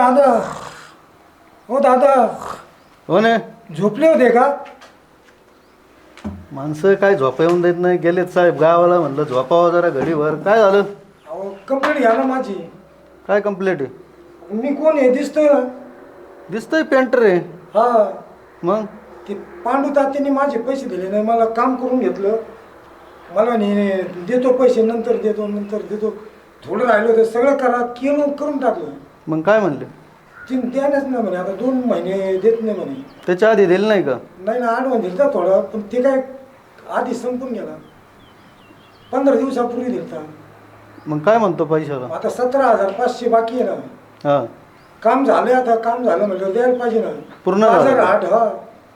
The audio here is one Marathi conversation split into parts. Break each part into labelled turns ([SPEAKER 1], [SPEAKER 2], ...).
[SPEAKER 1] दादा, हो दादा,
[SPEAKER 2] हो ना.
[SPEAKER 1] झोपले होते का?
[SPEAKER 2] माणसं काय झोपा येऊन देत नाही. गेलेत साहेब गावाला. म्हणलं झोपावं जरा घडीभर. काय झालं?
[SPEAKER 1] अहो कंप्लेंट घ्या ना माझी.
[SPEAKER 2] काय कंप्लेंट आहे?
[SPEAKER 1] मी कोण आहे दिसतोय ना?
[SPEAKER 2] दिसतंय पेंटर आहे.
[SPEAKER 1] हा,
[SPEAKER 2] मग
[SPEAKER 1] ते पांडू तात्यांनी माझे पैसे दिले नाही, मला काम करून घेतलं. मला नाही देतो पैसे, नंतर देतो. थोडं राहिलं होतं, सगळं करून टाकलं.
[SPEAKER 2] मग काय म्हणले?
[SPEAKER 1] ती द्यायलाच नाही म्हणे, आता 2 महिने देत नाही म्हणे.
[SPEAKER 2] त्याच्या आधी दिलं नाही का?
[SPEAKER 1] नाही ना, ॲडव्हान्स दिलता थोडा, पण ते काय आधी संपून गेला. 15 दिवसापूर्वी दिलता.
[SPEAKER 2] मग काय म्हणतो पैशाला?
[SPEAKER 1] आता 17,500 बाकी आहे ना.
[SPEAKER 2] हां,
[SPEAKER 1] काम झालं, आता काम झालं म्हटलं द्यायला पाहिजे ना.
[SPEAKER 2] पूर्ण झालं?
[SPEAKER 1] 1008. हा,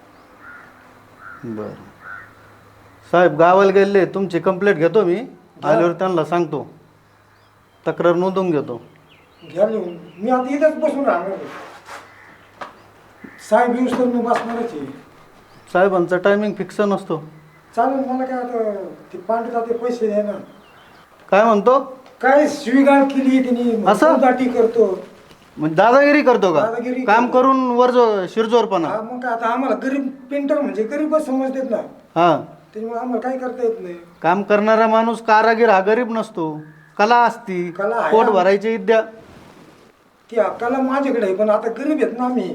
[SPEAKER 2] बरं साहेब गावाला गेले. तुमची कंप्लेंट घेतो मी. आल्यावर त्यांना सांगतो, तक्रार नोंदवून घेतो.
[SPEAKER 1] घ्या लिहून. मी आता इथंच बसून राहणार आहे. साहेब येऊस तर मी बसणारच आहे.
[SPEAKER 2] साहेबांचा टायमिंग फिक्स नसतो.
[SPEAKER 1] चालेल, मला काय आता ते पांडुता ते पैसे द्या ना.
[SPEAKER 2] काय म्हणतो?
[SPEAKER 1] काय स्वीकार केली त्यांनी,
[SPEAKER 2] असं?
[SPEAKER 1] दाटी करतो.
[SPEAKER 2] म्हणजे दादागिरी करतो का?
[SPEAKER 1] दादागिरी
[SPEAKER 2] काम
[SPEAKER 1] करतो.
[SPEAKER 2] करून शिरजोरपणा.
[SPEAKER 1] हा, मग काय आता आम्हाला गरीब पेंटर म्हणजे गरीबच समजतात ना,
[SPEAKER 2] हां,
[SPEAKER 1] त्याच्यामुळे आम्हाला काय करता येत नाही.
[SPEAKER 2] काम करणारा माणूस कारागीर हा गरीब नसतो. कला असती,
[SPEAKER 1] कला आहे.
[SPEAKER 2] पोट भरायची विद्या.
[SPEAKER 1] ती अक्काला माझ्याकडे आहे, पण आता गरीब आहेत ना आम्ही.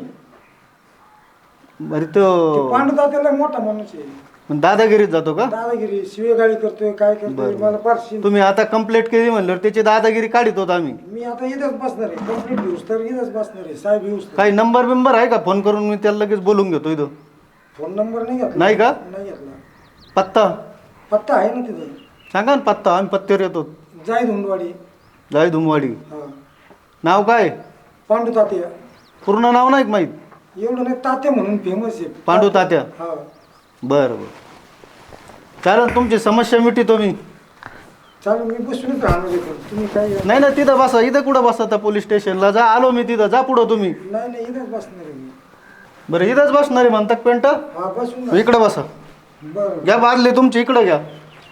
[SPEAKER 2] बरी
[SPEAKER 1] ते
[SPEAKER 2] तो
[SPEAKER 1] पांडुता त्याला मोठा माणूस आहे.
[SPEAKER 2] दादागिरीत जातो का?
[SPEAKER 1] दादागिरी शिवेगाळी करतोय, काय करतोय
[SPEAKER 2] बरं.
[SPEAKER 1] मला फारशी.
[SPEAKER 2] तुम्ही आता कंप्लेंट केली म्हणल्यावर त्याची दादागिरी काढित होत आम्ही.
[SPEAKER 1] मी आता इथंच बसणार आहे. कंप्लीट घेऊस तर इथंच बसणार आहे. साहेब येऊस तर.
[SPEAKER 2] काही नंबर बिंबर आहे का? फोन करून मी त्याला लगेच बोलून घेतो इथं.
[SPEAKER 1] फोन नंबर नाही घेतला.
[SPEAKER 2] नाही का?
[SPEAKER 1] नाही घेतला.
[SPEAKER 2] पत्ता
[SPEAKER 1] पत्ता आहे ना तिथे.
[SPEAKER 2] सांगा ना पत्ता. आम्ही पत्त्यावर येतो.
[SPEAKER 1] जाय धुंडवाडी.
[SPEAKER 2] जाय धुमवाडी.
[SPEAKER 1] हा,
[SPEAKER 2] नाव काय?
[SPEAKER 1] पांडू तात्या.
[SPEAKER 2] पूर्ण नाव नाही माहीत.
[SPEAKER 1] एवढं नाही, तात्या म्हणून फेमस आहे.
[SPEAKER 2] पांडू तात्या.
[SPEAKER 1] हा,
[SPEAKER 2] बरं बरं चालेल. तुमची समस्या मिटवतो मी.
[SPEAKER 1] चालेल, मी बसूनच राहणार आहे. पण तुम्ही काय
[SPEAKER 2] नाही ना, तिथं बसा. इथं कुठं बसा? त्या पोलीस स्टेशनला जा. आलो मी तिथं. जा पुढं तुम्ही.
[SPEAKER 1] नाही इथंच बसणार आहे मी.
[SPEAKER 2] बरं इथंच बसणार आहे म्हणतात पेंटर?
[SPEAKER 1] हा, बसून ना.
[SPEAKER 2] इकडं बसा.
[SPEAKER 1] बरं,
[SPEAKER 2] घ्या बादली तुमची. इकडं घ्या.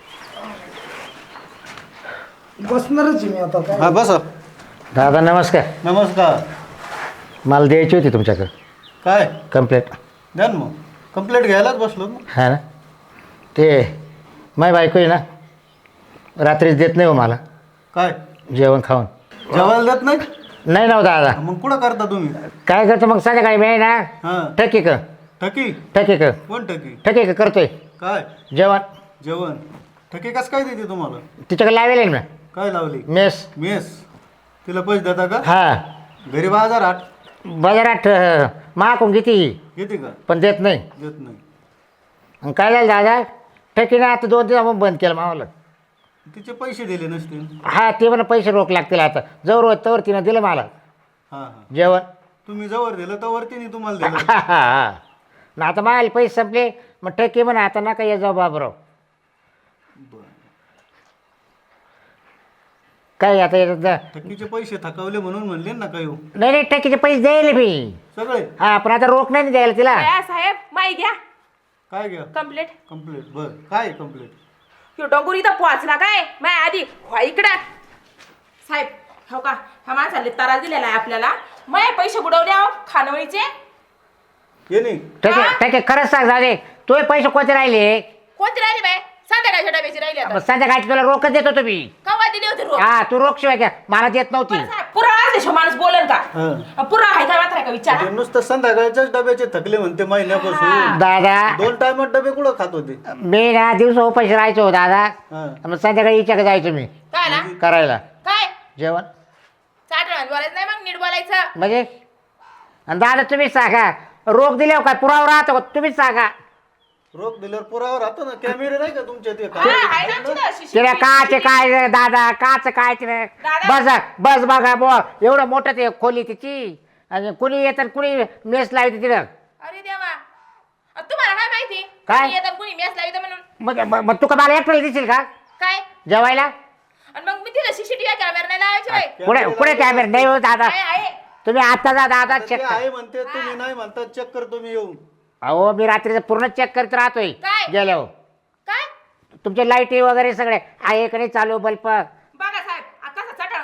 [SPEAKER 1] बसणारच आहे मी आता.
[SPEAKER 2] हा
[SPEAKER 1] काय
[SPEAKER 2] बसा.
[SPEAKER 3] दादा नमस्कार.
[SPEAKER 2] नमस्कार.
[SPEAKER 3] मला द्यायची होती तुमच्याकडे
[SPEAKER 2] काय
[SPEAKER 3] कंप्लेंट.
[SPEAKER 2] द्या ना मग. कंप्लेंट घ्यायलाच बसलो ना.
[SPEAKER 3] हा ना, ते माझी बायको आहे ना, रात्रीच देत नाही हो मला
[SPEAKER 2] काय
[SPEAKER 3] जेवण खाऊन.
[SPEAKER 2] जेवायला देत नाही?
[SPEAKER 3] नाही ना हो दादा.
[SPEAKER 2] मग कुठं करता तुम्ही?
[SPEAKER 3] काय करतो मग संध्याकाळी मी आहे ना,
[SPEAKER 2] हां,
[SPEAKER 3] ठकी क
[SPEAKER 2] ठकी?
[SPEAKER 3] ठकी क
[SPEAKER 2] कोण ठकी?
[SPEAKER 3] ठकी क करतोय
[SPEAKER 2] काय
[SPEAKER 3] जेवण.
[SPEAKER 2] जेवण? ठकी कसं काय देते तुम्हाला?
[SPEAKER 3] तिच्याकडे लावेल आहे ना
[SPEAKER 2] काय लावली?
[SPEAKER 3] मेस.
[SPEAKER 2] मेस. तिला पैसे देता का?
[SPEAKER 3] हा,
[SPEAKER 2] घरी बाजार आठ
[SPEAKER 3] बाजारात महाकून घेते
[SPEAKER 2] घेते का?
[SPEAKER 3] पण देत नाही.
[SPEAKER 2] देत नाही.
[SPEAKER 3] आणि काय झालं दादा, ठकीने आता 2 दिवस मग बंद केलं मावाला.
[SPEAKER 2] तिचे पैसे दिले नसतील.
[SPEAKER 3] हा, ते म्हणा पैसे रोख लागतील आता. जवळ होत तवर तिनं दिलं मला
[SPEAKER 2] हां हां.
[SPEAKER 3] जेवण.
[SPEAKER 2] तुम्ही जवळ दिलं तर वरतीने तुम्हाला दिलं.
[SPEAKER 3] हा हा हा. ना आता माल पैसे संपले, मग टक्के म्हणा आता नका ये जाऊ बाबराव. काय आता येतात
[SPEAKER 2] ठकीचे पैसे थकवले म्हणून म्हणले ना काय हो?
[SPEAKER 3] नाही नाही, टक्केचे पैसे द्यायला मी.
[SPEAKER 2] सगळे?
[SPEAKER 3] हा, पण आता रोख नाही द्यायला तिला.
[SPEAKER 4] साहेब माही घ्या
[SPEAKER 2] काय घ्या?
[SPEAKER 4] कंप्लेंट.
[SPEAKER 2] कंप्लेंट. बर काय कंप्लेंट?
[SPEAKER 4] ह्यो डोंगूर इथं पोहोचला काय माय आधी व्हा इकडं. साहेब हो का, ह्या माणसाला तारा दिलेला आहे आपल्याला. माय पैसे बुडवले आहो खानवळीचे.
[SPEAKER 2] ये नाही.
[SPEAKER 3] टक्के टक्के खरंच सांग दादे, तुझे पैसे कोणते राहिले?
[SPEAKER 4] कोणते राहिले बाय? संध्याकाळच्या डब्याचे राहिले आता.
[SPEAKER 3] संध्याकाळची तुला रोखच देत होतो मी.
[SPEAKER 4] कवा दिले होते रोज?
[SPEAKER 3] हा, तू रोख शिवाय क्या मला देत नव्हती.
[SPEAKER 4] बरं साहेब, पुरा अर्धेशो माणूस बोलन का?
[SPEAKER 2] हां.
[SPEAKER 4] पुरा आहे का मात्र का विचारा?
[SPEAKER 2] ते नुसतं संध्याकाळच्याच डब्याचे थकले म्हणते महिन्यापासून.
[SPEAKER 3] दादा
[SPEAKER 2] 2 टायमात डबे कुठं खात होते?
[SPEAKER 3] मी ना दिवस उपाशी राहायचो दादा.
[SPEAKER 2] हां.
[SPEAKER 3] मग संध्याकाळी हिच्याकडे जायचो मी
[SPEAKER 4] काय ना
[SPEAKER 3] करायला
[SPEAKER 4] काय
[SPEAKER 3] जेवण.
[SPEAKER 4] चाटण बोलायचं नाही, मग नीट बोलायचं.
[SPEAKER 3] म्हणजे आणि दादा तुम्हीच सांगा, रोख दिल्यावर काय पुरावा राहतो का? तुम्हीच सांगा.
[SPEAKER 2] रोख दिल्यावर पुरावा राहतो ना. कॅमेरे नाही का तुमच्या ते?
[SPEAKER 4] हा, आहे ना आमची तशी
[SPEAKER 3] तिला
[SPEAKER 4] शिकली.
[SPEAKER 3] काचे काय रे दादा, काच काय तिने
[SPEAKER 4] दादा.
[SPEAKER 3] बस बघा बो, एवढं मोठं ते खोली तिची. आणि कुणी येतात कुणी मेस लावते तिला.
[SPEAKER 4] अरे देवा, तुम्हाला काय माहिती?
[SPEAKER 3] काय?
[SPEAKER 4] कुणी येतात कुणी मेस लावित म्हणून.
[SPEAKER 3] मग तू का मला एकट्याला दिसेल का
[SPEAKER 4] काय?
[SPEAKER 3] जेवायला?
[SPEAKER 4] आणि मग मी तिला सीसीटीव्ही कॅमेरा नाही लावायचे बाई.
[SPEAKER 3] पुढे पुढे कॅमेरा नाही हो दादा.
[SPEAKER 4] आहे.
[SPEAKER 3] तुम्ही आता जा दादा,
[SPEAKER 2] आता
[SPEAKER 3] चेक
[SPEAKER 2] ते
[SPEAKER 3] कर.
[SPEAKER 2] आहे म्हणते, तुम्ही नाही म्हणतात. चेक करतो मी येऊन.
[SPEAKER 3] अहो मी रात्रीचं पूर्ण चेक करत राहतोय
[SPEAKER 4] काय?
[SPEAKER 3] गेल्यावर.
[SPEAKER 4] काय
[SPEAKER 3] तुमचे लाईटी वगैरे सगळे आहे का नाही चालू बल्ब.
[SPEAKER 4] बघा साहेब, कसा चटाळ माथा राहील.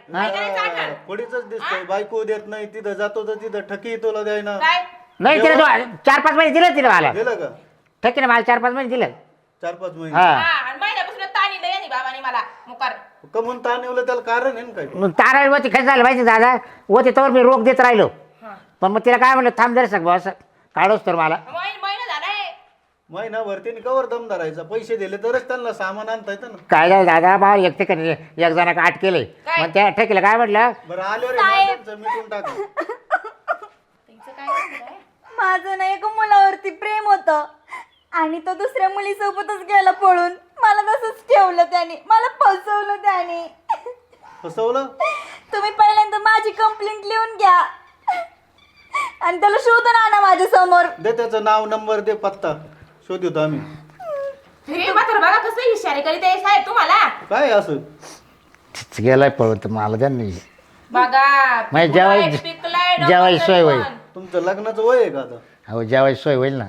[SPEAKER 4] काय करायचं आठवण?
[SPEAKER 2] कोडीच दिसतंय, बायको देत नाही, तिथं जातो तर तिथं ठकी तुला द्यायना.
[SPEAKER 4] काय
[SPEAKER 3] नाही तिला 4-5 महिने दिलं तिला मला
[SPEAKER 2] दिलं का?
[SPEAKER 3] ठीक आहे ना, मला 4-5 महिने दिलं
[SPEAKER 2] 4-5 महिने
[SPEAKER 3] हा
[SPEAKER 4] हा आणि महिन्यापासून ताणी लय आणि बाबाने मला मुकार
[SPEAKER 2] कमून ताण येवलं त्याला कारण आहे ना काय?
[SPEAKER 3] मग तारावरती खर्च झालं माहिती दादा होते तर मी रोख देत राहिलो पण मग तिला काय म्हणलं थांब जरा सग असं काढोस तर मला
[SPEAKER 4] महिना झालाय
[SPEAKER 2] महिनाभर त्यांनी कवर दम धरायचा, पैसे दिले तरच त्यांना सामान आणता येतं ना.
[SPEAKER 3] काय झालं दादा बा एक ठिकाणी एक जणांना आठ केले
[SPEAKER 4] काय?
[SPEAKER 3] मग त्या ठेकीला काय म्हटलं
[SPEAKER 2] बरं आल्यावर हे माणसांचं मिटून टाका.
[SPEAKER 4] तिचं काय झालंय?
[SPEAKER 5] माझं ना एका मुलावरती प्रेम होतं आणि तो दुसऱ्या मुलीसोबतच गेला पळून. मला तसंच ठेवलं त्याने, मला फसवलं त्याने.
[SPEAKER 2] फसवलं?
[SPEAKER 5] तुम्ही पहिल्यांदा माझी कंप्लेंट लिहून घ्या आणि त्याला शोधून आणा माझ्या समोर.
[SPEAKER 2] दे त्याचं नाव, नंबर दे, पत्ता शोधतो आम्ही.
[SPEAKER 4] हे मात्र बघा कसं इशारे करीत आहे साहेब तुम्हाला.
[SPEAKER 2] काय असं
[SPEAKER 3] गेलाय पळून तर मला त्यांनी
[SPEAKER 4] बघा
[SPEAKER 3] म्हणजे
[SPEAKER 4] पिकलाय, पिकलाय, डोकं
[SPEAKER 3] जेवायची
[SPEAKER 4] तरी
[SPEAKER 3] सोय होईल.
[SPEAKER 4] पण.
[SPEAKER 2] तुमचं लग्नाचं वय आहे का आता?
[SPEAKER 3] अहो जेवायची सोय होईल ना.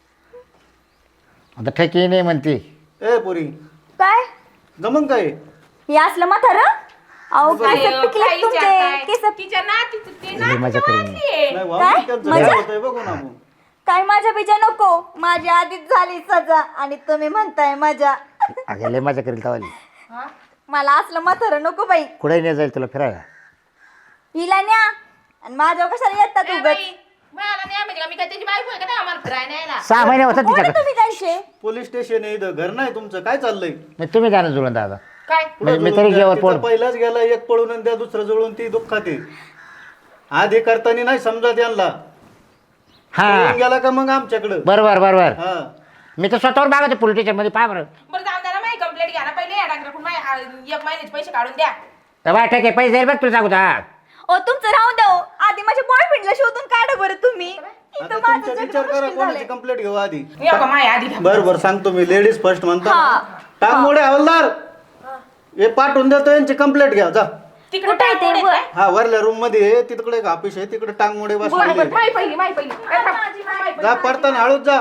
[SPEAKER 3] आता ठेकी नाही म्हणते
[SPEAKER 2] ए पोरी
[SPEAKER 5] काय
[SPEAKER 2] जमन काय?
[SPEAKER 5] हे असलं म्हातारं? अहो
[SPEAKER 4] काय
[SPEAKER 5] केस पिकले
[SPEAKER 4] काय
[SPEAKER 5] तुमचे
[SPEAKER 4] विचारताय?
[SPEAKER 5] केस.
[SPEAKER 4] तिच्या नातीचं ते
[SPEAKER 3] लय
[SPEAKER 4] नातीचं
[SPEAKER 3] मजा करून.
[SPEAKER 4] मारलीये.
[SPEAKER 2] नाही
[SPEAKER 5] काय?
[SPEAKER 2] वावरी त्यांचं
[SPEAKER 5] मजा?
[SPEAKER 2] काय होतंय बघू ना आपण.
[SPEAKER 5] काय माझ्या बिजा नको, माझी आधीच झाली सजा आणि तुम्ही म्हणताय मजा.
[SPEAKER 3] अगं लय मजा करेल तवाली
[SPEAKER 4] हा?
[SPEAKER 5] मला असलं म्हातारं नको बाई.
[SPEAKER 3] कुठे नाही जाईल तुला फिरायला.
[SPEAKER 5] हिला न्या आणि माझ्या कशाला येतात
[SPEAKER 4] ए
[SPEAKER 5] उगाच?
[SPEAKER 4] बाई, मला नाही म्हणजे का मी काय त्याची बायको आहे का नाही आम्हाला फिरायला न्यायला?
[SPEAKER 3] 6 महिने होतात
[SPEAKER 5] कोण आहे
[SPEAKER 3] तिच्याकडे.
[SPEAKER 5] तुम्ही त्यांचे?
[SPEAKER 2] पोलीस स्टेशन आहे इथं, घर नाही तुमचं, काय चाललंय?
[SPEAKER 3] मग तुम्ही जाणं जुळून दादा
[SPEAKER 4] काय
[SPEAKER 3] मी तरी जेवण पोट
[SPEAKER 2] पहिलाच गेला एक पळून आणि त्या दुसरं जळून ती दुःखात आहे. आधी करताना नाही समजत यांना,
[SPEAKER 3] हा
[SPEAKER 2] पळून गेला का मग आमच्याकडं.
[SPEAKER 3] बरोबर बरोबर
[SPEAKER 2] हा
[SPEAKER 3] मी तर स्वतःवर मागवते पोलीस स्टेशन मध्ये पहा बरं.
[SPEAKER 4] बरं जाऊ द्या ना माझी कंप्लेंट घ्या ना पहिले या डॉक्टरकडून माझे 1 महिन्याचे पैसे काढून द्या.
[SPEAKER 3] बाय ठीक आहे पैसे देईल बघ तुला सांगू हा.
[SPEAKER 5] ओ तुमचं राहून द्या हो. आधी माझ्या बॉयफ्रेंडला शोधून काढा बरं तुम्ही. इथं
[SPEAKER 2] आता
[SPEAKER 5] माझं
[SPEAKER 2] तुमचा
[SPEAKER 5] जगणं
[SPEAKER 2] विचार करा,
[SPEAKER 5] मुश्किल
[SPEAKER 2] कोणाची
[SPEAKER 5] झालंय.
[SPEAKER 2] कंप्लेंट घेऊ आधी.
[SPEAKER 4] या का माझ्या आधी घ्या.
[SPEAKER 2] बरं सांगतो मी, लेडीज फर्स्ट म्हणता.
[SPEAKER 5] हा.
[SPEAKER 2] टाक मोडे हवालदार, हे पाठवून देतो, यांची कंप्लेंट घ्या जा.
[SPEAKER 4] तिकडे
[SPEAKER 5] कुठं आहे ते?
[SPEAKER 4] टाकून येत
[SPEAKER 2] हा वरल्या रूम मध्ये आहे, तिकडे एक ऑफिस आहे, तिकडे टांग मोडे
[SPEAKER 4] काय?
[SPEAKER 2] बसलेले.
[SPEAKER 4] माही पहिली काय थांब.
[SPEAKER 2] जा पडताना हळूच जा.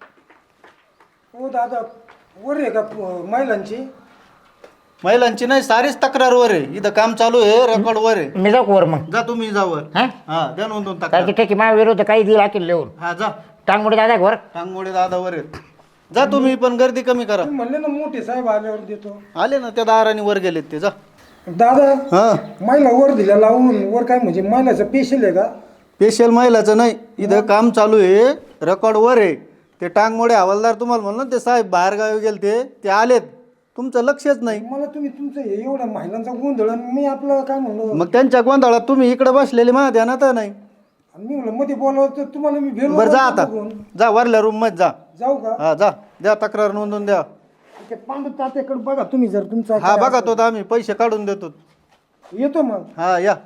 [SPEAKER 1] हो दादा वर आहे का महिलांची?
[SPEAKER 2] महिलांची नाही, सारीच तक्रारवर आहे. इथं काम चालू आहे, रेकॉर्ड वर आहे.
[SPEAKER 3] मी जाऊ का वर मग
[SPEAKER 2] जा तुम्ही जा वर.
[SPEAKER 3] हा
[SPEAKER 2] हा द्या नोंदवून
[SPEAKER 3] काय
[SPEAKER 2] तक्रार.
[SPEAKER 3] की ठीक आहे माझ्या विरोध काही दिला की लिहून
[SPEAKER 2] हा जा,
[SPEAKER 3] टांगमुळे दादा वर
[SPEAKER 2] टांग मोडे दादा वर आहेत. जा तुम्ही पण गर्दी कमी करा.
[SPEAKER 1] तुम्ही म्हणले ना मोठे साहेब आल्यावर देतो.
[SPEAKER 2] आले ना त्या दाराने वर गेलेत ते, जा.
[SPEAKER 1] दादा
[SPEAKER 2] हा
[SPEAKER 1] महिला वर दिल्या लावून, वर काय म्हणजे महिलाचं पेशल आहे का?
[SPEAKER 2] स्पेशल महिलाचं नाही, इथं काम चालू आहे, रेकॉर्ड वर आहे. ते टांगमोडे हवालदार तुम्हाला म्हणलं ते साहेब बाहेर गावी गेले ते आलेत, तुमचं लक्षच नाही.
[SPEAKER 1] मला तुम्ही तुमचं हे एवढा महिलांचा गोंधळ आणि मी आपलं काय म्हणलो,
[SPEAKER 2] मग त्यांच्या गोंधळात तुम्ही इकडे बसलेले माझ्या ध्यानात नाही.
[SPEAKER 1] मी म्हणलं मध्ये बोलावं तर तुम्हाला मी भेलो.
[SPEAKER 2] बरं जा आता, जा वरल्या रूम मध्ये जा.
[SPEAKER 1] जाऊ का?
[SPEAKER 2] हा जा, द्या तक्रार नोंदवून द्या.
[SPEAKER 1] ते पांडू तात्याकडे बघा तुम्ही, जर तुमचा
[SPEAKER 2] हा
[SPEAKER 1] काय
[SPEAKER 2] बघा तो तर आम्ही पैसे काढून देतो.
[SPEAKER 1] असेल. येतो मग.
[SPEAKER 2] हा या,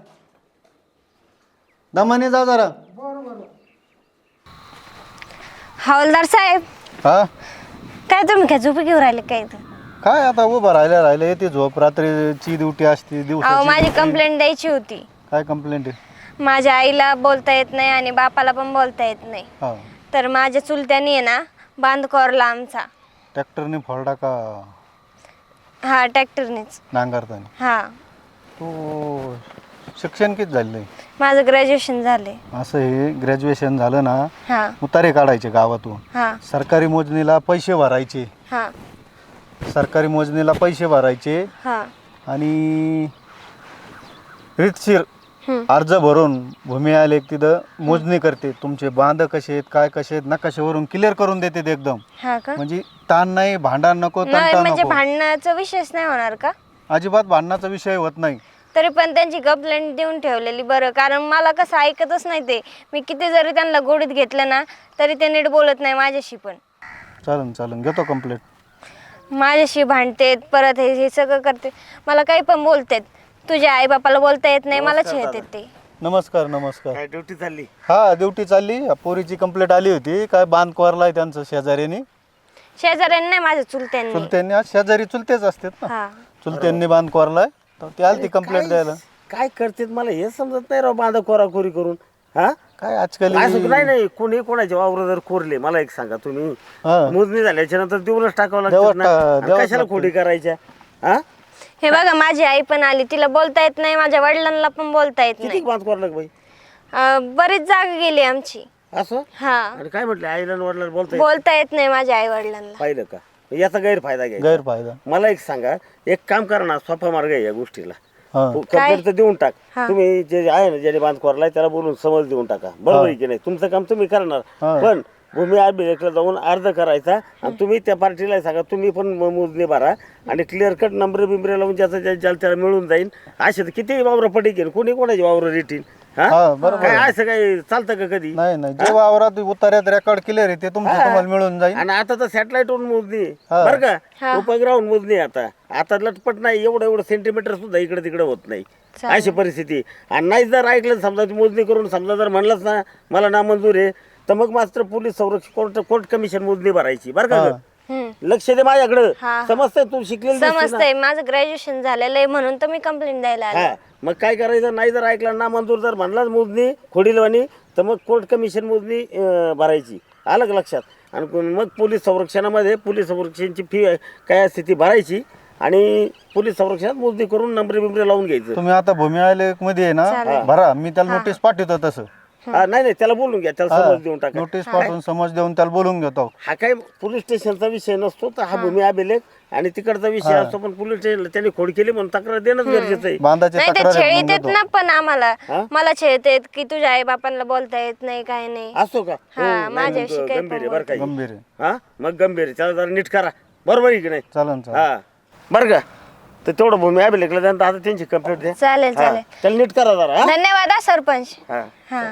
[SPEAKER 2] दमाने जा जरा.
[SPEAKER 1] बरं बरं.
[SPEAKER 5] हवालदार साहेब
[SPEAKER 2] हा
[SPEAKER 5] काय तुम्ही काय झोपी घेऊन राहिले काय इथं?
[SPEAKER 2] काय आता उभं राहिलं येते झोप, रात्रीची ड्युटी असते,
[SPEAKER 6] अहो
[SPEAKER 2] दिवसाची.
[SPEAKER 6] माझी कंप्लेंट द्यायची होती.
[SPEAKER 2] काय कंप्लेंट आहे?
[SPEAKER 6] माझ्या आईला बोलता येत नाही आणि बापाला पण बोलता येत नाही.
[SPEAKER 2] हा
[SPEAKER 6] तर माझ्या चुलत्यानी आहे ना बांध कोरला आमचा.
[SPEAKER 2] ट्रॅक्टरने फोडला का
[SPEAKER 6] हा ट्रॅक्टरनेच.
[SPEAKER 2] नांगरताना?
[SPEAKER 6] हा
[SPEAKER 2] तो शिक्षण किती झालेलं आहे?
[SPEAKER 6] माझं ग्रॅज्युएशन झाले.
[SPEAKER 2] असं हे ग्रॅज्युएशन झालं ना,
[SPEAKER 6] हा
[SPEAKER 2] उतारे काढायचे गावातून,
[SPEAKER 6] हा
[SPEAKER 2] सरकारी मोजणीला पैसे भरायचे,
[SPEAKER 6] हा
[SPEAKER 2] सरकारी मोजणीला पैसे भरायचे
[SPEAKER 6] हा
[SPEAKER 2] आणि रीतशीर
[SPEAKER 6] हम्म.
[SPEAKER 2] अर्ज भरून भूमी आलेख तिथं मोजणी करते. तुमचे बांध कसे आहेत, काय कसे आहेत, नकाशावरून क्लिअर करून देते ते एकदम.
[SPEAKER 6] हा का?
[SPEAKER 2] म्हणजे ताण नाही, भांडण नको,
[SPEAKER 6] नाही
[SPEAKER 2] तंटा
[SPEAKER 6] म्हणजे
[SPEAKER 2] नको,
[SPEAKER 6] भांडणाचा विषयच नाही होणार का?
[SPEAKER 2] अजिबात भांडणाचा विषय होत नाही.
[SPEAKER 6] तरी पण त्यांची कंप्लेंट देऊन ठेवलेली बरं, कारण मला कसं ऐकतच नाही ते. मी किती जरी त्यांना गोडीत घेतलं ना तरी ते नीट बोलत नाही माझ्याशी. पण
[SPEAKER 2] चालन घेतो कंप्लेंट.
[SPEAKER 6] माझ्याशी भांडतेत, परत हे सगळं करते, मला काही पण बोलतेत. तुझ्या आई बापाला बोलता येत नाही, मला छेळतेत ते.
[SPEAKER 2] नमस्कार नमस्कार.
[SPEAKER 7] काय ड्युटी चालली?
[SPEAKER 2] हा ड्युटी चालली. पोरीची कंप्लेंट आली होती, काय बांध कोरलाय त्यांचं शेजाऱ्यांनी.
[SPEAKER 6] शेजाऱ्यांनी नाही, माझ्या चुलत्यांनी.
[SPEAKER 2] चुलत्यांनी, आज शेजारी चुलतेच असतात ना,
[SPEAKER 6] हा
[SPEAKER 2] चुलत्यांनी बांध कोरलाय, तर ते आली ती कंप्लेंट द्यायला.
[SPEAKER 7] काय करतेत मला हे समजत नाही राव, बांधा कोराकोरी करून. हा
[SPEAKER 2] काय आजकाल
[SPEAKER 7] असं नाही नाही, कोणी कोणाचे वावर जर कोरले, मला एक सांगा तुम्ही,
[SPEAKER 2] हा.
[SPEAKER 7] मोजणी झाल्याच्या नंतर देऊनच टाकावं
[SPEAKER 2] देवात
[SPEAKER 7] लागतं ना,
[SPEAKER 2] देवात
[SPEAKER 7] आणि कशाला
[SPEAKER 2] लागतं.
[SPEAKER 7] खोडी करायच्या? हा
[SPEAKER 6] हे बघा माझी आई पण आली, तिला बोलता येत नाही, माझ्या वडिलांना पण बोलता येत
[SPEAKER 7] किती
[SPEAKER 6] नाही.
[SPEAKER 7] बांध कोरा बाई
[SPEAKER 6] बरीच जागा गेली आमची.
[SPEAKER 7] असं
[SPEAKER 6] हा,
[SPEAKER 7] आणि काय म्हटलं आईला आणि वडिलांना बोलता
[SPEAKER 6] बोलता येत नाही माझ्या आई वडिलांना.
[SPEAKER 7] पाहिलं का याचा गैरफायदा घ्यायचा.
[SPEAKER 2] गैरफायदा.
[SPEAKER 7] मला एक सांगा, एक काम करा ना, सोपा मार्ग आहे या गोष्टीला.
[SPEAKER 2] हा.
[SPEAKER 7] कंप्लेंट तर देऊन टाक.
[SPEAKER 6] हा.
[SPEAKER 7] तुम्ही जे आहे ना ज्याने बांध कोरलाय त्याला बोलून समज देऊन टाका. बरोबर आहे की नाही? तुमचं काम तुम्ही करणार,
[SPEAKER 2] हा.
[SPEAKER 7] पण भूमी अभिलेखला जाऊन अर्ज करायचा आणि तुम्ही त्या पार्टीला सांगा तुम्ही पण मोजणी भरा आणि क्लिअर कट नंबर बिंबरे लावून ज्याचा त्याला मिळून जाईल. असे तर किती वावर पटी केलं, कोणी कोणाची वावर रेटीन.
[SPEAKER 2] हा, बरोबर
[SPEAKER 7] काय
[SPEAKER 2] आहे.
[SPEAKER 7] असं काही चालतं का कधी?
[SPEAKER 2] नाही नाही, जे वावरात उतार्यात रेकॉर्ड क्लिअर आहे ते तुम्हाला मिळून जाईल.
[SPEAKER 7] आणि आता तर सॅटेलाइट वरून मोजणी आहे.
[SPEAKER 2] हा.
[SPEAKER 7] बरं का, उपग्रहावरून मोजणी आहे आता लटपट नाही, एवढं सेंटीमीटर सुद्धा इकडे तिकडे होत नाही. अशी परिस्थिती. आणि नाही जर ऐकलं समजा ती मोजणी करून समजा जर म्हणलंच ना मला नामंजूर आहे, तर मग मात्र पोलीस संरक्षण कोर्ट कमिशन मोजणी भरायची. बरं का ग? लक्ष दे माझ्याकडं. समजतंय तू शिकलेली दिसते ना.
[SPEAKER 6] समजतंय, माझं ग्रॅज्युएशन झालेलं आहे म्हणून तर मी कंप्लेंट द्यायला आले.
[SPEAKER 7] हा, मग काय करायचं, नाही जर ऐकलं ना मंजूर जर म्हणलाच मोजणी खोडीलवाणी, तर मग कोर्ट कमिशन मोजणी भरायची. आलं का लक्षात? आणि मग पोलीस संरक्षणामध्ये पोलीस संरक्षणाची फी काय असते ती भरायची आणि पोलीस संरक्षणात मोजणी करून नंबरे बिंबरे लावून घ्यायचं.
[SPEAKER 2] तुम्ही आता भूमी अभिलेख मध्ये आहे ना, भरा. मी त्याला नोटीस पाठवतो तसं.
[SPEAKER 7] नाही त्याला बोलून घ्या, त्याला समज देऊन टाका.
[SPEAKER 2] नोटीस पाठवून समज देऊन त्याला बोलून घेतो.
[SPEAKER 7] हा काय पोलीस स्टेशनचा विषय नसतो, तर हा भूमी अभिलेख आणि तिकडचा विषय असतो. पण पोलीस स्टेशनला त्यांनी खोड केली म्हणून तक्रार देणंच गरजेचं आहे.
[SPEAKER 2] बांधाची
[SPEAKER 6] नाही ते
[SPEAKER 2] तक्रार आहे
[SPEAKER 6] छेळीत
[SPEAKER 2] म्हणून
[SPEAKER 6] येत
[SPEAKER 2] घेतो.
[SPEAKER 6] ना, पण आम्हाला मला छेळत येत की तुझ्या आई बापांना बोलता येत नाही, काय नाही.
[SPEAKER 7] असतो का?
[SPEAKER 6] हा,
[SPEAKER 7] हो, नाही,
[SPEAKER 6] माझ्याशी
[SPEAKER 7] मग
[SPEAKER 6] काही
[SPEAKER 7] गंभीर आहे बरं काही.
[SPEAKER 2] गंभीर आहे.
[SPEAKER 7] हा, मग गंभीर आहे. त्याला जरा नीट करा. बरोबर आहे की नाही?
[SPEAKER 2] चालन चालेल.
[SPEAKER 7] हा, बरं का? तर तेवढं भूमी अभिलेखला द्या. आता त्यांची कंप्लेंट द्या.
[SPEAKER 6] चालेल
[SPEAKER 7] हा,
[SPEAKER 6] चालेल.
[SPEAKER 7] त्याला नीट करा जरा. हा?
[SPEAKER 6] धन्यवाद हा सरपंच.
[SPEAKER 7] हा.
[SPEAKER 6] हा,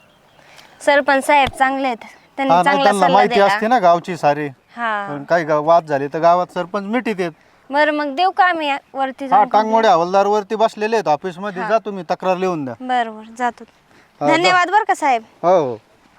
[SPEAKER 6] सरपंच साहेब चांगले आहेत, त्यांनी
[SPEAKER 2] हा, नाही
[SPEAKER 6] चांगला
[SPEAKER 2] त्यांना
[SPEAKER 6] सल्ला
[SPEAKER 2] माहिती
[SPEAKER 6] दिला.
[SPEAKER 2] असते ना गावची सारी.
[SPEAKER 6] हा,
[SPEAKER 2] पण काही वाद झाले तर गावात सरपंच मिठीत येत.
[SPEAKER 6] बरं मग देऊ का आम्ही वरती
[SPEAKER 2] हा,
[SPEAKER 6] जाऊन?
[SPEAKER 2] टांगमोडे हवालदार वरती बसलेले आहेत ऑफिस मध्ये. जा तुम्ही तक्रार लिहून द्या.
[SPEAKER 6] बरोबर जातो.
[SPEAKER 2] हा,
[SPEAKER 6] धन्यवाद बरं का साहेब.
[SPEAKER 2] हो हो,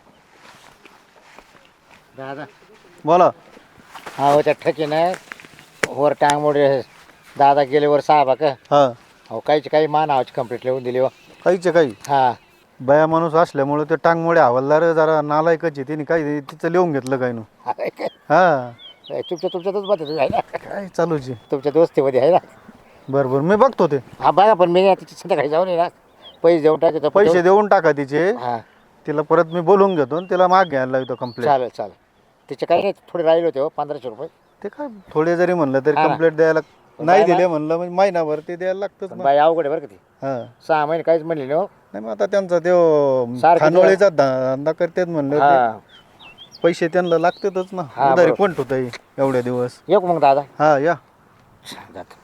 [SPEAKER 8] दादा
[SPEAKER 2] बोला.
[SPEAKER 8] हा हो त्या ठकीनं वर टांगमोडे दादा गेले वर साहेबा का
[SPEAKER 2] हा,
[SPEAKER 8] अहो काहीची काही मा नावाची कंप्लीट लिहून दिली हो.
[SPEAKER 2] काहीचे काही.
[SPEAKER 8] हा
[SPEAKER 2] बया माणूस असल्यामुळे ते टांगमोडे हवालदार जरा नालायकच आहे. तिने काही तिचं लिहून घेतलं काही ना. हा,
[SPEAKER 8] तुमच्यातच बघतो आहे ना,
[SPEAKER 2] काय चालूच आहे.
[SPEAKER 8] तुमच्या दोस्तीमध्ये आहे ना.
[SPEAKER 2] बरं बरं, मी बघतो ते.
[SPEAKER 8] हा बघा, पण मी तिच्या संध्याकाळी जाऊन ये ना, पैसे देऊन टाकायचं.
[SPEAKER 2] पैसे देऊन टाका तिचे.
[SPEAKER 8] हा
[SPEAKER 2] तिला परत मी बोलून घेतो आणि तिला माग घ्यायला लागतो कंप्लेंट.
[SPEAKER 8] चालेल चालेल. तिचे काही नाही, थोडे राहिले होते हो, 1500 रुपये.
[SPEAKER 2] ते काय थोडे जरी म्हणलं तरी
[SPEAKER 8] हा.
[SPEAKER 2] कंप्लेंट द्यायला नाही दिले म्हणलं म्हणजे महिनाभर ते द्यायला लागतंच
[SPEAKER 8] पण
[SPEAKER 2] ना.
[SPEAKER 8] बाई अवघड आहे बरं का ती.
[SPEAKER 2] हा,
[SPEAKER 8] 6 महिने काहीच म्हणले नाही हो.
[SPEAKER 2] नाही मग आता त्यांचा ते
[SPEAKER 8] सारखं
[SPEAKER 2] खानोळीचा धंदा करतात म्हणलं
[SPEAKER 8] हा
[SPEAKER 2] ते पैसे त्यांना लागतातच ना.
[SPEAKER 8] हा,
[SPEAKER 2] उधारी
[SPEAKER 8] बरोबर.
[SPEAKER 2] कोण ठेवताय एवढ्या दिवस.
[SPEAKER 8] येऊ का मग दादा?
[SPEAKER 2] हा या.
[SPEAKER 8] जातो.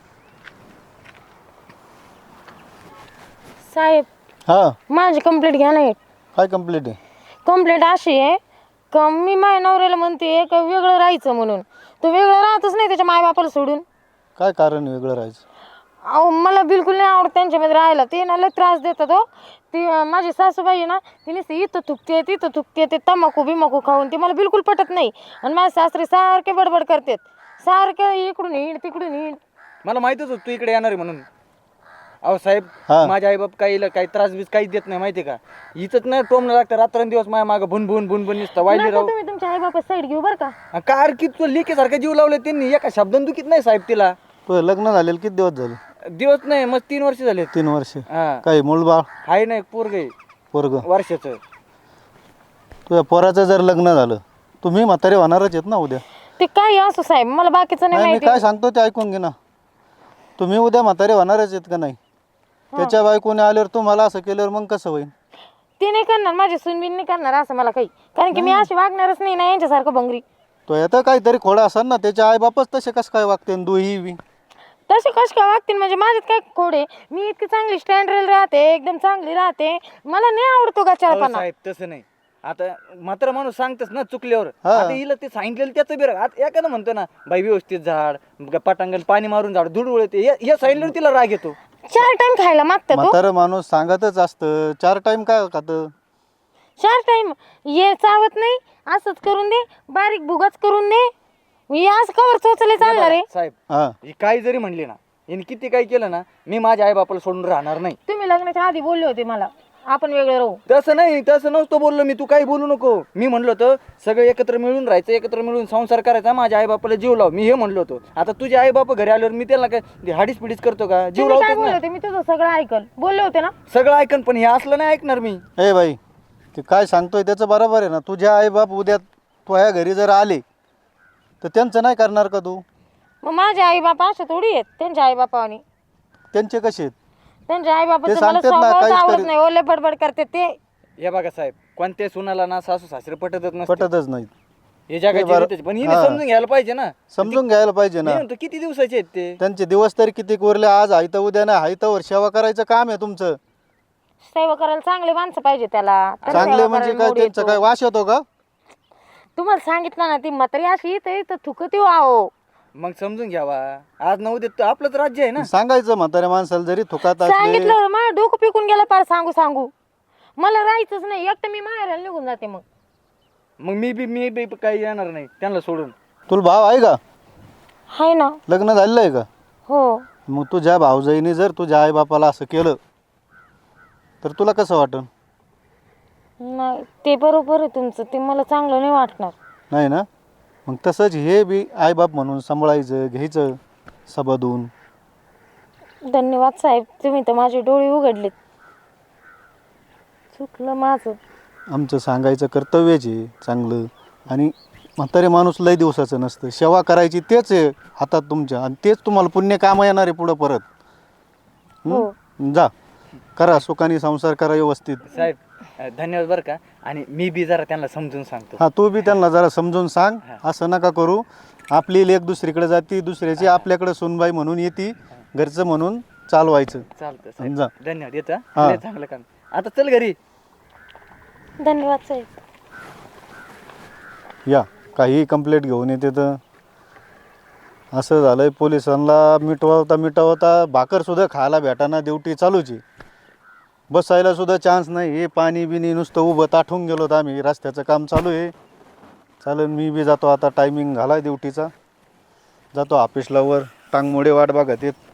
[SPEAKER 9] साहेब
[SPEAKER 2] हा,
[SPEAKER 9] माझी कंप्लेंट घ्या नाही.
[SPEAKER 2] काय कंप्लेंट आहे?
[SPEAKER 9] कंप्लेंट अशी आहे का मी माझ्या नवऱ्याला म्हणते का वेगळं राहायचं म्हणून. तो वेगळं राहतच नाही त्याच्या मायबापाला सोडून.
[SPEAKER 2] काय कारण आहे वेगळं राहायचं?
[SPEAKER 9] अहो मला बिलकुल नाही आवडत त्यांच्यामध्ये राहायला. ते ना लय त्रास देतात हो. ती माझी सासूबाई आहे ना, ती नुसती इथं थुकते तिथं थुकते, ते तंबाखू बिमाखू खाऊन ती मला बिलकुल पटत नाही. आणि माझे सासरे सारखे बडबड करतात, सारखे इकडून हिंड तिकडून हिंड.
[SPEAKER 10] मला माहितच होतं तू इकडे येणार आहे म्हणून. अहो साहेब,
[SPEAKER 2] हा.
[SPEAKER 10] माझ्या आईबाप काही त्रास बीस काहीच देत नाही माहिती का. इथंच नाही टोमणं लागतं रात्रंदिवस माझ्या मागं भुनभुन भुनभुन नुसतं वाईली
[SPEAKER 9] नको
[SPEAKER 10] राहू.
[SPEAKER 9] तुम्ही तुमच्या आई बापा साईड घेऊ बरं का.
[SPEAKER 10] कार की तू लेकीसारखं जीव लावले त्यांनी, एका शब्दान दुखीत नाही साहेब तिला.
[SPEAKER 2] तुझं लग्न झालेलं किती दिवस झाले?
[SPEAKER 10] दिवस नाही मग 3 वर्ष झाले.
[SPEAKER 2] 3 वर्ष.
[SPEAKER 10] हा,
[SPEAKER 2] काही मूळबाळ
[SPEAKER 10] आहे नाही पोरग
[SPEAKER 2] पोरग
[SPEAKER 10] वर्षाचं.
[SPEAKER 2] तुझ्या पोराचं जर लग्न झालं तुम्ही म्हातारे होणारच आहेत ना उद्या.
[SPEAKER 9] ते काही असो साहेब, मला बाकीचं नाही
[SPEAKER 2] नाही, मी
[SPEAKER 9] माहिती.
[SPEAKER 2] काय सांगतो ते ऐकून घे ना. तुम्ही उद्या म्हातारे होणारच आहेत का नाही? त्याच्या बायकोने आल्यावर तुम्हाला असं केल्यावर मग कसं होईल?
[SPEAKER 9] ते नाही करणार, माझी सुनबिन नाही करणार असं मला काही. कारण की मी अशी वागणारच नाही ना यांच्यासारखं भंगरी.
[SPEAKER 2] तो येतं काहीतरी खोडा असाल ना. त्याच्या आई बापच तसे कसं काय वागते दुही बी.
[SPEAKER 9] तसे कश काय वागतील म्हणजे माझ्यात काय खोड आहे? मी इतकी चांगली स्टँडर्ड राहते, एकदम चांगली राहते. मला नाही आवडतो का
[SPEAKER 10] अहो
[SPEAKER 9] चारपणा.
[SPEAKER 10] साहेब तसं नाही. आता मात्र माणूस सांगतेस ना चुकल्यावर.
[SPEAKER 2] हा.
[SPEAKER 10] आता हिला ते सांगितलेलं त्याचं बिर आता एखादं म्हणतो ना बाई व्यवस्थित झाड पटांगण पाणी मारून झाड धूळ उडते, हे सांगितल्यावर तिला राग येतो.
[SPEAKER 9] 4 टाइम खायला मागतात तो.
[SPEAKER 2] म्हातारं माणूस सांगतच असतं. 4 टाइम काय खातं?
[SPEAKER 9] 4 टाइम ये चावत नाही, असंच करून दे, बारीक भुगाच करून दे. मी असं कवर चोचले चालणार आहे.
[SPEAKER 10] साहेब
[SPEAKER 2] हा,
[SPEAKER 10] ही काही जरी म्हणली ना, हिने किती काही केलं ना, मी माझ्या आई बापाला सोडून राहणार नाही.
[SPEAKER 9] तुम्ही लग्नाच्या आधी बोलले होते मला आपण वेगळे राहू.
[SPEAKER 10] तसं नसतो बोललो मी. तू काही बोलू नको. मी म्हणलो होतं सगळे एकत्र मिळून राहायचं, एकत्र मिळून संसार करायचा, माझ्या आई बापाला जीव लाव, मी हे म्हणलो होतो. आता तुझे आई बाप घरी आल्यावर मी त्याला काय हाडीस पिडीस करतो का? जीव
[SPEAKER 9] तुम्ही काय
[SPEAKER 10] लावतो
[SPEAKER 9] बोलले
[SPEAKER 10] ना.
[SPEAKER 9] होते? मी तुझं सगळं ऐकल बोलले होते ना.
[SPEAKER 10] सगळं ऐकन, पण हे असलं नाही ऐकणार मी.
[SPEAKER 2] ए बाई, ते काय सांगतोय त्याचं बरोबर आहे ना. तुझ्या आईबाप उद्या तुझ्या घरी जर आले तर त्यांचं नाही करणार का तू?
[SPEAKER 9] मग माझे आई बापा असे थोडी आहेत. त्यांच्या आई बापानी,
[SPEAKER 2] त्यांचे कसे आहेत?
[SPEAKER 9] त्यांच्या आई
[SPEAKER 2] ते
[SPEAKER 9] बापाचं मला
[SPEAKER 2] सांगतात ना,
[SPEAKER 9] स्वभावच
[SPEAKER 2] काहीच
[SPEAKER 9] आवडत
[SPEAKER 2] करीत-
[SPEAKER 9] नाही. ओले बडबड करते ते.
[SPEAKER 10] हे बघा साहेब, कोणत्या सुनाला ना सासू सासरे पटतच नसते.
[SPEAKER 2] पटतच नाही.
[SPEAKER 10] हे जगाची
[SPEAKER 2] बरं.
[SPEAKER 10] रीतच. पण हिने
[SPEAKER 2] हा.
[SPEAKER 10] समजून घ्यायला पाहिजे ना.
[SPEAKER 2] समजून घ्यायला पाहिजे
[SPEAKER 10] मी
[SPEAKER 2] ना.
[SPEAKER 10] म्हणतो किती दिवसाचे आहेत ते.
[SPEAKER 2] त्यांचे दिवस तरी किती कोरले. आज हायतं उद्या नाही हायतं, सेवा करायचं काम आहे तुमचं.
[SPEAKER 9] सेवा करायला चांगले माणसं पाहिजे त्याला. तर
[SPEAKER 2] चांगले
[SPEAKER 9] सेवा
[SPEAKER 2] म्हणजे
[SPEAKER 9] करायला
[SPEAKER 2] काय,
[SPEAKER 9] मूड
[SPEAKER 2] त्यांचं
[SPEAKER 9] येतो.
[SPEAKER 2] काय वास येतो का?
[SPEAKER 9] तुम्हाला सांगितलं ना, ती म्हातारी अशी इथं थुकती आहो.
[SPEAKER 10] मग समजून घ्यावा. आज नऊ देत आपलंच राज्य आहे ना.
[SPEAKER 2] सांगायचं म्हाताऱ्या माणसाला जरी थुकात असले.
[SPEAKER 9] सांगितलं माझं डोकं पिकून गेलं पार. सांगू मला राहायचंच नाही. एकटं मी माहेराला निघून जाते.
[SPEAKER 10] मग मी बी काही येणार नाही त्यांना सोडून.
[SPEAKER 2] तुला भाव आहे का?
[SPEAKER 9] हाय ना.
[SPEAKER 2] लग्न झालेलं आहे का?
[SPEAKER 9] हो.
[SPEAKER 2] मग तुझ्या भाऊजाईने जर तुझ्या आईबापाला असं केलं तर तुला कसं वाटन?
[SPEAKER 9] नाही ते बरोबर आहे तुमचं. ते मला चांगलं नाही वाटणार.
[SPEAKER 2] नाही ना. मग तसंच हे बी आईबाप म्हणून सांभाळायचं, घ्यायचं सबदून.
[SPEAKER 9] धन्यवाद साहेब, तुम्ही तर माझे डोळे उघडलेत. चुकलं माझं.
[SPEAKER 2] आमचं सांगायचं कर्तव्यच आहे चांगलं. आणि म्हातारे माणूस लय दिवसाचं नसतं. सेवा करायची तेच आहे हातात तुमच्या, आणि तेच तुम्हाला पुण्य काम येणार आहे पुढं परत. जा करा, सुखाने संसार करा व्यवस्थित.
[SPEAKER 10] साहेब धन्यवाद बरं का. आणि मी बी जरा त्यांना समजून सांगतो.
[SPEAKER 2] हा, तू बी त्यांना जरा समजून सांग. असं नका करू. आपली लेक दुसरीकडे जाती, दुसऱ्याची आपल्याकडे सुनबाई म्हणून येते, घरचं म्हणून चालवायचं.
[SPEAKER 10] चालतं
[SPEAKER 2] जा.
[SPEAKER 10] साहेब, धन्यवाद. येतं
[SPEAKER 2] हा.
[SPEAKER 10] लय चांगलं काम. आता चल घरी.
[SPEAKER 9] धन्यवाद साहेब.
[SPEAKER 2] या काही कंप्लेंट घेऊन येते तर असं झालंय. पोलिसांना मिटवता भाकरसुद्धा खायला भेटाना, ड्युटी चालूची, बसायला सुद्धा चान्स नाही. हे पाणी बिनी नुसतं उभं ताठून गेलो तर आम्ही. रस्त्याचं काम चालू आहे. चालेल, मी बी जातो आता. टायमिंग झाला ड्युटीचा. जातो ऑफिसला. वर टांगमोडे वाट बघत येत.